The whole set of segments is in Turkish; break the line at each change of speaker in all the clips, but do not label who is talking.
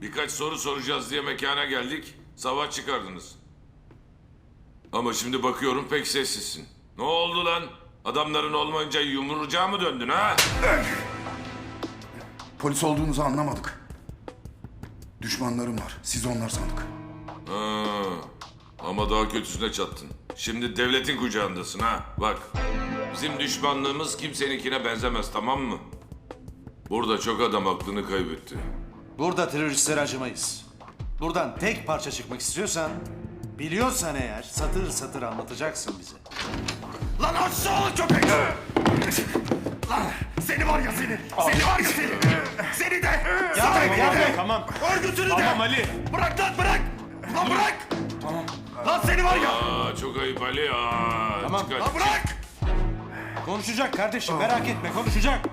Birkaç soru soracağız diye mekana geldik. Savaş çıkardınız. Ama şimdi bakıyorum pek sessizsin. Ne oldu lan? Adamların olmayınca yumrucağa mı döndün ha?
Polis olduğunuzu anlamadık. Düşmanlarım var. Siz onlar sandık.
Ha, ama daha kötüsüne çattın. Şimdi devletin kucağındasın ha. Bak, bizim düşmanlığımız kimseninkine benzemez, tamam mı? Burada çok adam aklını kaybetti.
Burada teröristlere acımayız. Buradan tek parça çıkmak istiyorsan, biliyorsan eğer satır satır anlatacaksın bize.
Lan aşağılık köpek! Lan seni var ya seni! Seni var ya seni! Seni de!
Tamam.
Örgütünü de!
Tamam Ali.
Bırak lan bırak! Lan bırak! Tamam. Lan seni var ya!
Aa, çok ayıp Ali. Aa,
Tamam.
çıkar.
Lan bırak!
Konuşacak kardeşim, merak etme, konuşacak.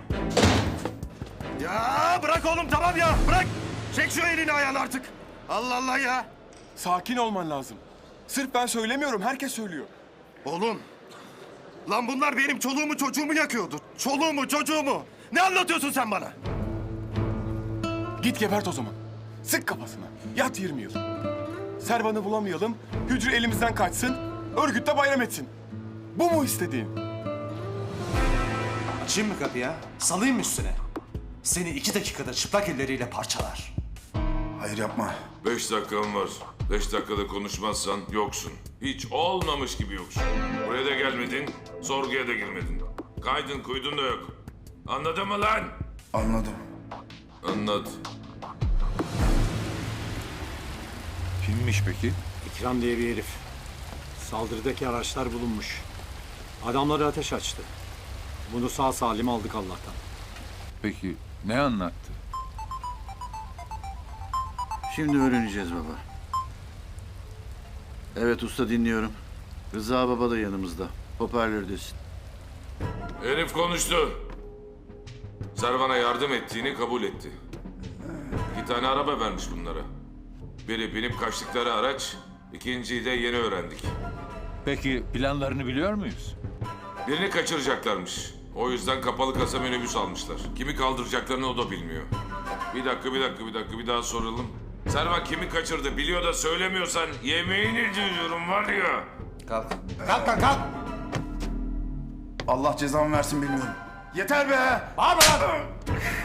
Ya bırak oğlum tamam ya bırak! Çek şu elini ayağını artık! Allah Allah ya!
Sakin olman lazım. Sırf ben söylemiyorum, herkes söylüyor.
Oğlum! Lan bunlar benim çoluğumu çocuğumu yakıyordu. Çoluğumu çocuğumu! Ne anlatıyorsun sen bana?
Git gebert o zaman. Sık kafasına. Yat 20 yıl. Servan'ı bulamayalım, hücre elimizden kaçsın, örgütte bayram etsin. Bu mu istediğin?
Açayım mı kapıyı ha? Salayım mı üstüne? Seni 2 dakikada çıplak elleriyle parçalar.
Hayır yapma.
5 dakikan var. 5 dakikada konuşmazsan yoksun. Hiç olmamış gibi yoksun. Buraya da gelmedin, sorguya da girmedin. Kaydın kuydun da yok. Anladın mı lan?
Anladım.
Anlat.
Kimmiş peki?
İkram diye bir herif. Saldırıdaki araçlar bulunmuş. Adamları ateş açtı. Bunu sağ salim aldık Allah'tan.
Peki ne anlattı?
Şimdi öğreneceğiz baba. Evet usta dinliyorum. Rıza baba da yanımızda. Hoparlördesin.
Herif konuştu. Servan'a yardım ettiğini kabul etti. 2 tane araba vermiş bunlara. Biri binip kaçtıkları araç, ikinciyi de yeni öğrendik.
Peki planlarını biliyor muyuz?
Birini kaçıracaklarmış. O yüzden kapalı kasa minibüs almışlar. Kimi kaldıracaklarını o da bilmiyor. Bir dakika, bir daha soralım. Servan kimi kaçırdı biliyor da söylemiyorsan yemeğini ediyorum var ya.
Kalk. Kalk kalk kalk!
Allah cezamı versin bilmiyorum. Yeter be!
Bağırma lan!